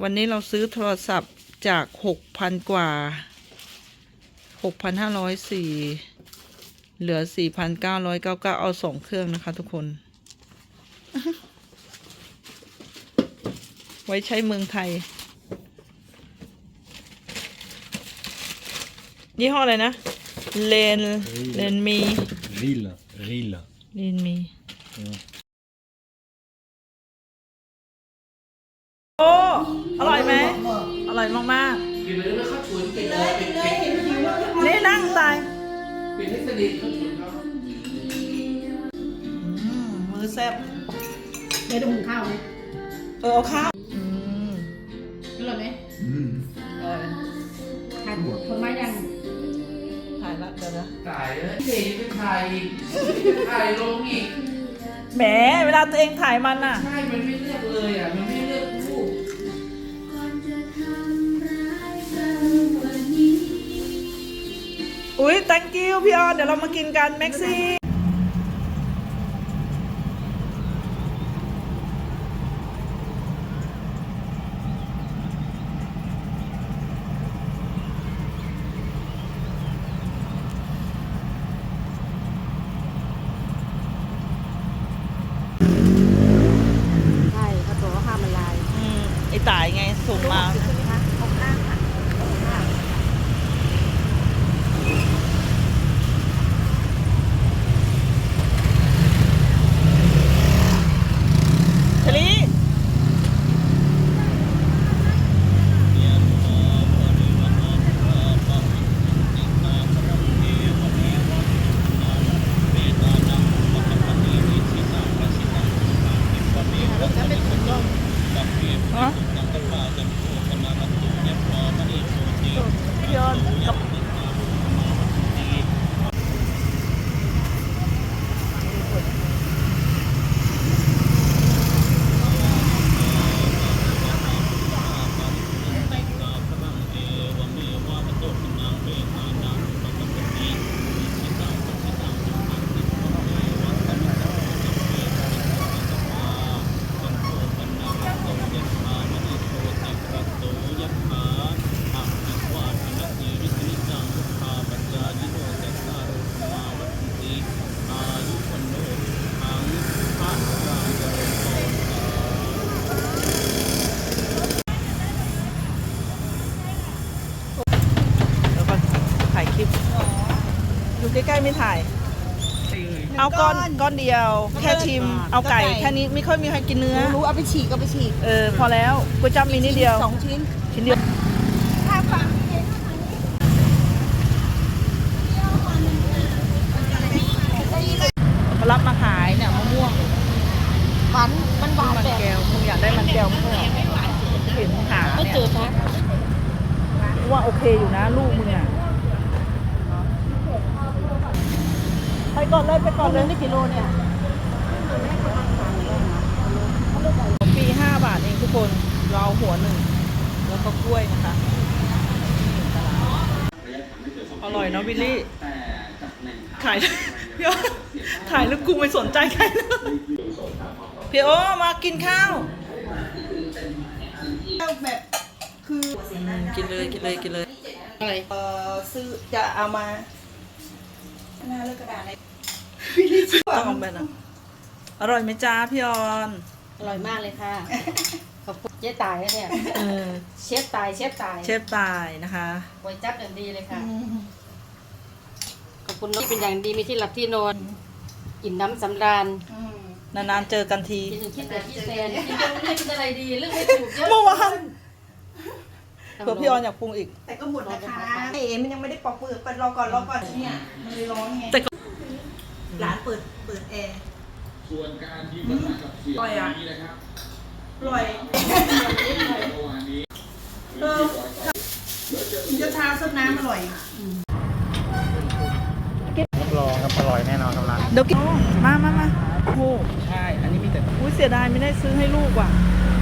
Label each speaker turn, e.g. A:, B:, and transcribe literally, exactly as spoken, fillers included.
A: วันนี้เราซื้อโทรศัพท์จากหกพันกว่าหกพันห้าร้อยสี่เหลือสี่พันเก้าร้อยเก้าเก้าเอาสองเครื่องนะคะทุกคน ไว้ใช้เมืองไทยยี่ห้ออะไรนะเลนเลนมี
B: ริลริล
A: เลนมีโอ้อร่อยไหมอร่อยมากๆกินเลยไม่เข้าฉุนกินเลยกินเลยเห็นหิวนี่นั่งตายปิดให้สนิทเข้าฉุนเขามือแซ่บ
C: ได้ดูหุงข้าวไหม
A: เออเอาข้าว
C: อร่อยไหมอร่อยถ่ายคนมายัง
A: ถ่ายละเดี๋ยวนะ
D: ถ่ายเลยเด็กเป็นถ่ายอีกถ่ายลงอีก
A: แหมเวลาตัวเองถ่ายมันอ่ะ
D: ใช่มันไม่เลือกเลยอ่ะมันไม่เลือกรูป
A: อุ้ย thank you พี่ออนเดี๋ยวเรามากินกันแม็กซี่
C: ใช่เขาบอกว่าข้าวมันลาย
A: อืมไอ้ตายไงส่งมา
C: ใช่ไหมคะหกห้าค่ะหกห้า
A: ชลีฮะพี่ออนกับอยู่ใกล้ๆไม่ถ่ายเอาก้อนก้อนเดียวแค่ชิมเอาไก่แค่นี้ไม่ค่อยมีใครกินเนื้อ
C: รู้เอาไปฉีกก็ไปฉีก
A: เออพอแล้วก๋วยจั๊บมีนิดเดียว
C: สองชิ้น
A: ชิ้นเดียว
C: ถ้าฟัง
A: มารับมาขายเนี่ยมะม่วง
C: หวานมันหวาน
A: มันแก้วมึงอยากได้มันแก้วมึงเห็นหาเนี่ย
C: เจอปะ
A: ว่าโอเคอยู่นะลูกมึงอ่ะไปก่อนเลยไปก่อนเลย
C: ได้กิโลเนี่ย
A: ปีห้าบาทเองทุกคนเราหัวหนึ่งแล้วก็กล้วยนะคะอร่อยเนาะวิลลี่ถ่ายพี่โอถ่ายแล้วกูไม่สนใจใครเลยพี่โอมากินข้าว
C: แบบคือ
A: กินเลยกินเลยกินเลย
C: อะไร
A: เออซื้อจะเอามาหน้าเลือกกระดาษอะไรต้องแบบนั้นอร่อยไหมจ้าพี่ออน
C: อร่อยมากเลยค่ะขอบคุณเจ๊ตายเนี่ยเชฟตายเชฟตาย
A: เชฟตายนะคะ
C: ก๋วยจั๊บอย่างดีเลยค่ะขอบคุณที่เป็นอย่างดีมีที่หลับที่นอนกินน้ำสำราญ
A: นานๆเจอกันที
C: กินคิดแต่ที่แซนกินไม่กินอะไรดีเรื่องไม่ถูกเยอะ
A: เมื่อวานเผื่อพี่ออนอยากปรุงอีก
C: แต่ก็หมดนะคะเอ๋มันยังไม่ได้ปอกเปลือกไปรอก่อนรอก่อนเนี่ยมันเลยร้อนไงร้านเปิดเปิดแอร์
D: ส่วนการที่มากับเสียงนี้นะครับ
C: ปล่อยเออจะทาซดน้ำอร่อย
B: รับรองครับอร่อยแน่นอนครับร้าน
A: เดี๋ยวกินมามามาโอ้
B: ใช่อันนี้มีแต่
A: อุ้ยเสียดายไม่ได้ซื้อให้ลูกว่ะ